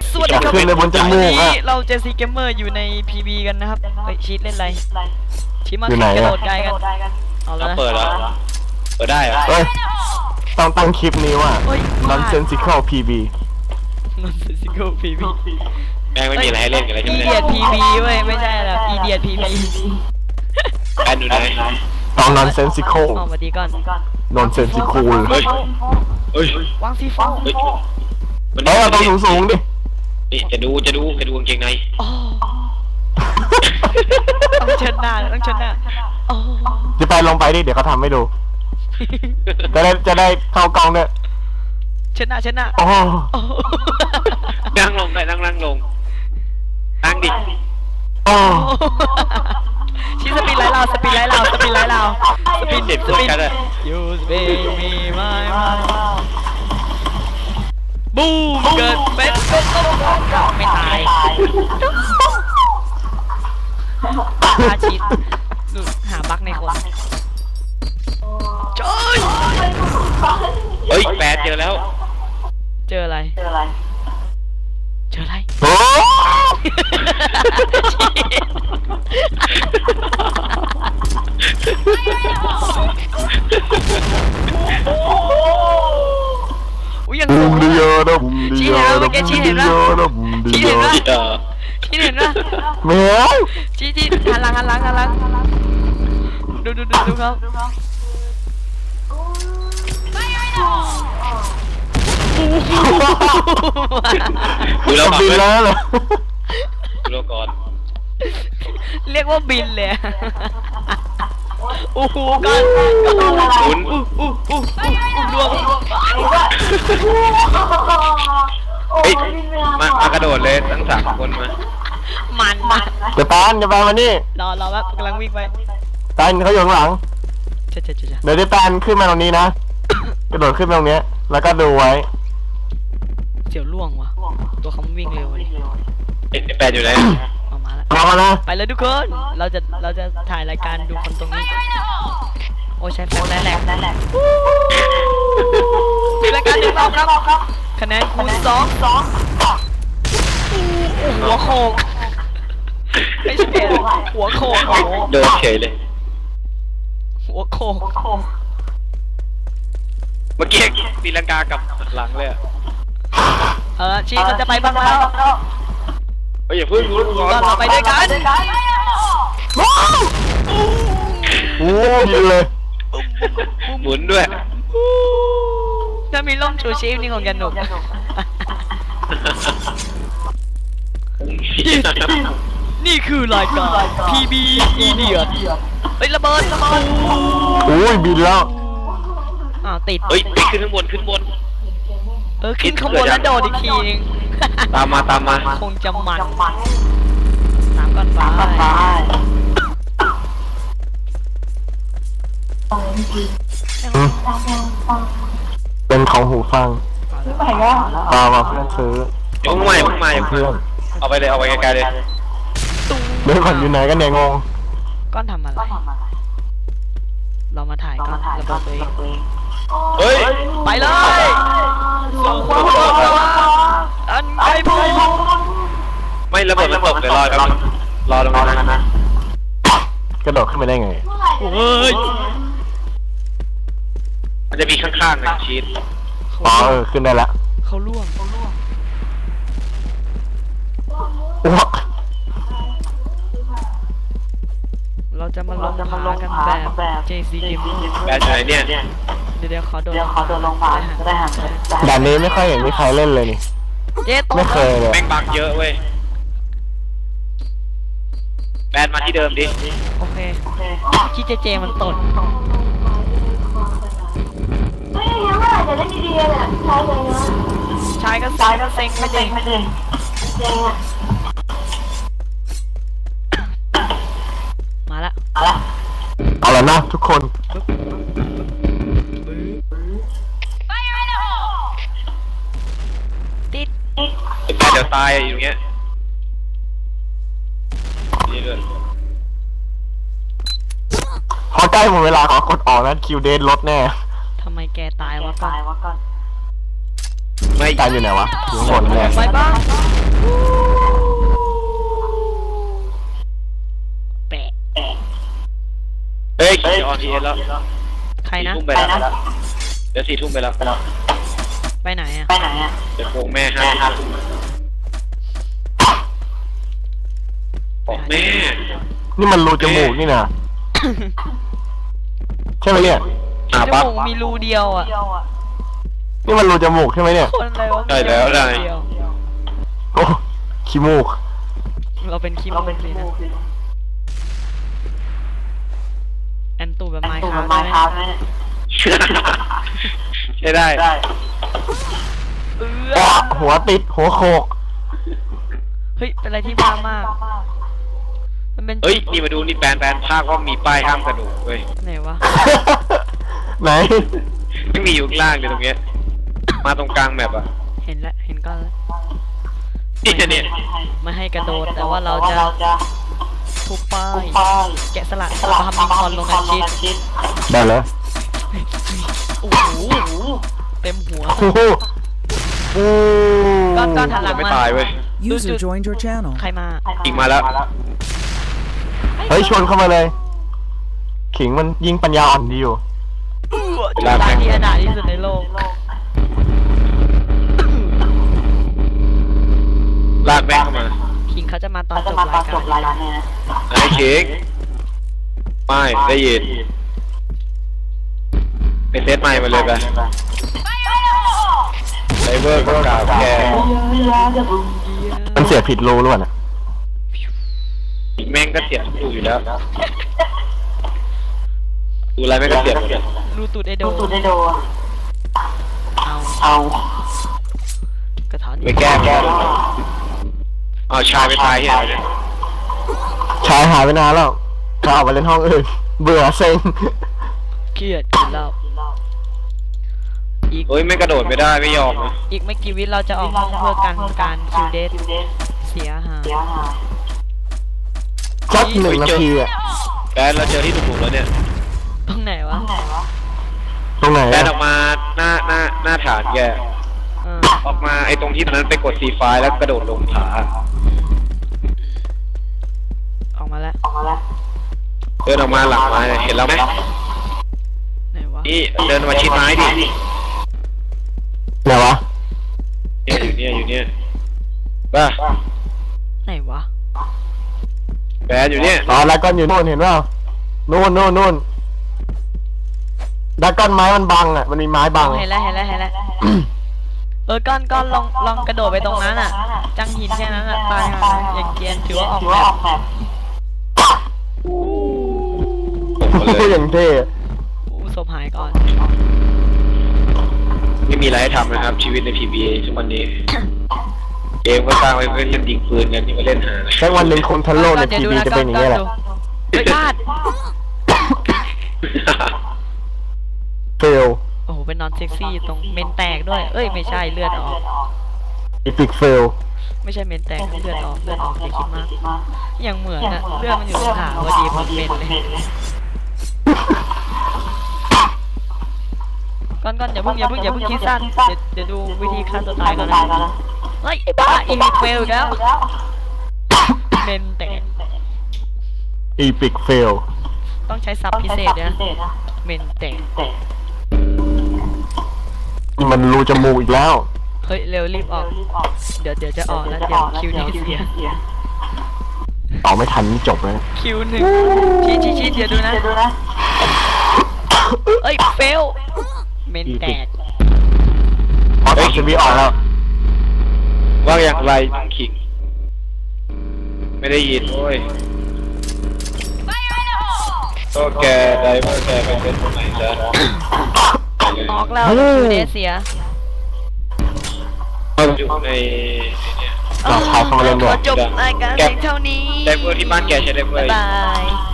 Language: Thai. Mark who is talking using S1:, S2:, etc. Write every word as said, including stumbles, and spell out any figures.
S1: สวัสดีครับวันนี้เราเจสซี่เกมเมอร์อยู่ใน พี บี กันนะครับเฮ้ยชีทเล่นอะไรชีทมากระโดดไกลกันเอาแล้ว
S2: เปิดแล้วเปิดได้เหรอ
S3: เฮ้ยต้องตั้งคลิปนี้ว่า Nonsensical พี บี
S1: Nonsensical พี บี
S2: แม่งไม่มีอะไรให้เล่นกันเลยใช่ไหม
S1: Idiot พี บี เว้ยไม่ใช่หรอก Idiot พี บี
S2: แอนดูไหน
S3: ต้อง Nonsensical
S1: อ๋อสวัสดีก่อน
S3: Nonsensical
S2: เฮ้ยเฮ้ยว
S1: างซีโฟ
S2: เฮ้ย
S3: มันต้องสูงสูงดิ
S2: นี่จะดูจะดูจะดูกางเกงใน
S1: ต้องเชิดหน้าต้องเชิดหน้า
S3: จะไปลงไปดิเดี๋ยวเขาทำให้ดูจะได้จะได้เข้ากล้องเนี่ย
S1: เชิดหน้าเชิดหน้า
S3: โอ้
S2: นั่งลงได้นั่งนั่งลงนั่งดิ
S3: โอ้
S1: ชี้สปีดไล่เราสปีดไล่เราสปีดไล่เราสปีด
S2: เด็ดสปีดเลย
S1: ยูสเบมีไม่บูมเกิดเป็นเป็นต้นไม่ตายอาชีพดูหาบั๊กในคนจอย
S2: เฮ้ยแปดเจอแล้ว
S1: เจออะไรเจออะไรเจออะไร
S3: โอ้
S1: อุ้ยยัง
S3: บุมดิโยนะบุมดิโย
S1: นะชี้เห็นปะชี้เห็นปะชี้เห็นปะ
S3: แมว
S1: ชี้ชี้หันหลังหันหลังหันหลังดูดูดูดูเขา
S2: ดูแล้ว
S3: บินแล้วเหรอ
S2: ดูแล้วก่อน
S1: เรียกว่าบินเลยโอ้โหก่อน
S2: หมุน
S1: อู้อู้อู้อู้ดวง
S2: เฮ้ยมามากระโดดเลยทั้งสามคนมา
S1: มันมัน
S3: จะปานจะปานมานี่
S1: รอรอแบบกำลังวิ่งไป
S3: ปานเขาอยู่ข้างหลัง
S1: เจ๊เจ๊เจ๊
S3: เดี๋ยวจะปานขึ้นมาตรงนี้นะกระโดดขึ้นตรงนี้แล้วก็ดูไว้
S1: เสียวล่วงวะตัวเขาวิ่งเร็วเลย
S2: เอ๊ะแปดอยู่ไหน
S1: มาแล้ว
S3: มาแล้ว
S1: ไปเลยทุกคนเราจะเราจะถ่ายรายการดูคนตรงนี้โอ้ใช้แฟลชแหลกแหลกรายการหนึ่งรอบครับคะแนนคูณสองสองหัวโขกไม่ใช่หัวโขก
S2: โดนเฉยเลย
S1: หัวโขก
S2: เมื่อกี้ตีลังกากับหลังเลย
S1: เออชีมันจะไปบ้างแล้ว
S2: เฮ้ยอย่าพึ่งรู้ก่อน
S1: เราไปด้วยกัน
S3: โอ้ยเลย
S2: หมุนด้วย
S1: ถ้ามีล่มชูชีพนี่คงจะหนุกนี่คือรายการ พี บี Idiot เฮ้ยระเบิดระเบิด
S3: โอ้ยบินแล้ว
S1: อ้าวติด
S2: เฮ้ยขึ้นข้างบนขึ้นบน
S1: เออขึ้นข้างบนแล้วโดดอีกทีนึง
S2: ตามมาตามมา
S1: คงจะมันน้ำก้อนฟ้า
S3: เป็นของหูฟังตามาเพื่อนซื้อ
S2: ยังใหม่เพิ่งมาอย่างเพื่อนเอาไปเลยเอาไปไกลๆเลย
S3: เดี๋ยวก่อนอยู่ไหนกันเนี่ยงง
S1: ก้อนทำอะไรเรามาถ่ายก้อนระเบิดตัวเอง
S2: เฮ้ย
S1: ไปเลยส่งความรักอันไกลพู
S2: ไม่ระเบิดมันตกเลยรอครับรอตรงนั้นนะ
S3: กระโดดขึ้นไปได้ไง
S1: เฮ้ย
S2: มันจะมีข้างๆนะชีส
S3: อ๋อเออขึ้นได้ละ
S1: เขาล่วงเราจะมาลงพากันแบบ เจ ซี เกม
S2: แบบไหนเนี่ย
S1: เดี๋ยวเดี๋ยวขอโดนขอโดนลงมาได้ห่าง
S3: ด่านนี้ไม่ค่อยเห็นมีใครเล่นเลยนี่ไม่เคยเลย
S2: แม่งบังเยอะเว้ยแบนมาที่เดิมดิ
S1: โอเคที่เจเจมันตด
S4: ไม่ยังไม่อาจจะได้ดีๆเนี่ยใช้เลยนะ
S1: ใช้ก็ใช้ก็เซ็งไม่เด้ง
S4: ไม่เด้งเด้งอ่ะ
S1: มาละ
S3: เอาละนะทุกคน
S1: ติด
S2: แบนเดี๋ยวตายอยู่เงี้ยนี่เลย
S3: พอใกล้หมดเวลาขอกดออกนะคิวเดนลดแน่
S1: ทำไมแกตายวะก่อน
S3: ไม่ตายอยู่ไหนวะอยู่บนเนี่ย
S1: ไปบ้างแปะ
S2: เฮ้ยจะออนทีเอสแล้ว
S1: ใครนะ
S2: ทุ่มไปแล้วเดี๋ยวสี่ทุ่มไปแล้ว
S1: ไปไหนอ่ะ
S4: ไปไหนอ่ะ
S2: เดี๋ยวโกงแม่ห้าทุ่มบอกแม่
S3: นี่มันรูจมูกนี่นะใช่ไหมเนี่ย
S2: หา
S1: จ
S2: ปั๊บ
S1: มูกมีรูเดียวอ่ะ
S3: นี่มันรูจมูกใช่ไหมเนี่ย
S1: คนอะไรวะ
S2: ได้แล้วได้
S1: เดียว
S3: โอ้ขี้มูก
S1: เราเป็นคิมเราเป็นคิมแอนตูแบบไมค์คราฟต์ไหม
S2: ใช่ได้
S1: เอ
S3: อ้อ
S1: อ
S3: หัวติดหัวโขก
S1: เฮ้ยเป็นอะไรที่บ้ามากมันเป็น
S2: เฮ้ยนี่มาดูนี่แปลนแปลนภาคว่ามีป้ายห้ามกระโดดเว้ย
S1: ไหนวะ
S3: ไหน
S2: ไม่มีอยู่ข้างล่างเลยตรงเนี้ยมาตรงกลางแมปอ่ะ
S1: เห็นแล้วเห็นก้อนแล้ว
S2: นี่เนี่ย
S1: ไม่ให้กระโดดแต่ว่าเราจะทุบป้ายแกะสลักทำมิงคอนลงกันชิด
S3: ได้แล้ว
S1: โอ้โหเต็มหัว
S3: โอ้โหโอ้
S1: ก้อนก้อนหันหลัง
S2: ไม่
S1: มา
S2: ตายเว้ย
S5: User joined your channel.
S1: ใครมา
S2: ยิงมาแล้ว
S3: เฮ้ยชวนเข้ามาเลย ขิงมันยิงปัญญาอ่อนดีอยู่
S1: จุดตายที่อนาถที่สุดในโลก
S2: ลากแม่งเข้ามา
S1: คิงเขาจะมาตอนจบรายการ
S2: ไอ้เค้กไม่ได้ยินไปเซตใหม่มาเลยไปไซเบอร์ก็กล่าวแก
S3: มันเสียผิดรูหรือเปล่านะ
S2: แม่งก็เสียบดูอยู่แล้วดูอะไรแม่งก็เสียบหมดเลย
S1: รูตูดไอโด
S4: ตูดได้โดน
S1: เอา
S4: เอา
S1: กระถอน
S2: ไปแก้แก้เอาชายไปตายเหี้ยเนี่ย
S3: ชายหายไปนานแล้วเขาออกไปเล่นห้องอื่น เบื่อเซ็ง
S1: เครียดกินเหล้าอีก
S2: เฮ้ยไม่กระโดดไม่ได้ไม่ยอมนะ
S1: อีกไม่กี่วิเราจะออกห้องเพื่อกันการคิวเดทเสียหาย
S4: เดี๋ยวหา
S3: สักหนึ่งนาทีอะ
S2: แกเราเจอที่ถูกๆแล้วเนี่ย
S1: ตรงไหนวะ
S4: ไหนวะ
S3: ตรงไหน
S2: แก
S3: อะ
S2: ออกมาหน้าหน้าหน้าฐานแก
S1: เออ
S2: ออกมาไอ้ตรงที่ตอนนั้นไปกดซีไฟแล้วกระโดดลงผา
S1: ออกมาแล้ว
S4: ออกมาแล้ว
S2: เดินออกมาหลังไม้เห็นแล้วไหม
S1: ไหนวะ
S2: นี่เดินมาชิดไม้ดิ
S3: ไหนวะ
S2: เนี่ยอยู่เนี่ยอยู่เนี่ยบ้า
S1: ไหนวะ
S2: แบนอยู่เนี่ย
S3: อ๋อแล้วก็อยู่นู่นเห็นเปล่านู่นนู่นนู่นดักก้อนไม้มันบังอ่ะ มันมีไม้บัง
S1: เห็นแล้วเห็นแล้วเห็นแล้วเออก้อนก้อนลองลองกระโดดไปตรงนั้นอ่ะ จังหินแค่นั้นอ่ะตายห่าอย่างเกรียนถือว่าออก
S4: ถือ
S1: แบ
S4: ว่า
S1: บ
S4: ออกแบบ
S2: ตกมาเลย
S3: อย่างเท่
S1: อู้ศพหายก่อน
S2: ไม่มีอะไรให้ทำนะครับ ชีวิตใน พี บี เอ ทุกวันนี้ เกมก็สร้างไว้เพื่อเล่นยิงปืนกันนี่มาเล่นหา
S3: แค่วันหนึ่งคนทั้งโลกใน
S1: ดี๋
S3: ที
S1: ยว
S3: วี
S1: ดู
S3: จะเป็นอย่างนี้แหละ
S1: เฮ้ยพลาด
S3: เฟล
S1: โอ้โหเป็นนอนเซ็กซี่ตรงเมนแตกด้วย เอ้ยไม่ใช่เลือดออก
S3: อีพิกเฟล
S1: ไม่ใช่เมนแตกเลือดออกเลือดออกอย่าคิดมากอย่างเหมือนอะเลือดมันอยู่ตรงขาพอดีผมเป็นเลยก่อนก่อนอย่าเพิ่งอย่าเพิ่งอย่าเพิ่งคิดสั้นเดี๋ยวเดี๋ยวดูวิธีฆ่าตัวตายก่อนนะเฮ้ยไอ้บ้าอีกเฟลอีกแล้วเมนแตก
S3: อีพิกเฟล
S1: ต้องใช้ซับพิเศษนะเมนแตก
S3: มันรูจมูกอีกแล้ว
S1: เฮ้ยเร็วรีบออกเดี๋ยวเดี๋ยวจะออกแล้วเดี๋ยวคิวนี้เสีย
S3: ออกไม่ทันนี่จบเลย
S1: คิวหนึ่งชี้ชี้ชี้เดี๋ยวดูนะ
S4: เดี๋ยวดูนะ
S1: เอ้ยเฟลเมนแตก
S3: พอตอนจะมีออกแล้ว
S2: ว่าอย่างไรขิงไม่ได้ยินโอ้ยก็แกได้ว่าแกไปเป็นตรงไหนซะ
S1: ออกแล้วคิวเดเสีย
S2: อยู่ในเนี่ย
S3: อ่ะใครเข้ามาเล่นด้วย
S1: ขอจบรายการเพียงเท่านี้
S2: ได้เบอร์ที่บ้านแกใช้ได้เบอร์
S1: บ๊ายบาย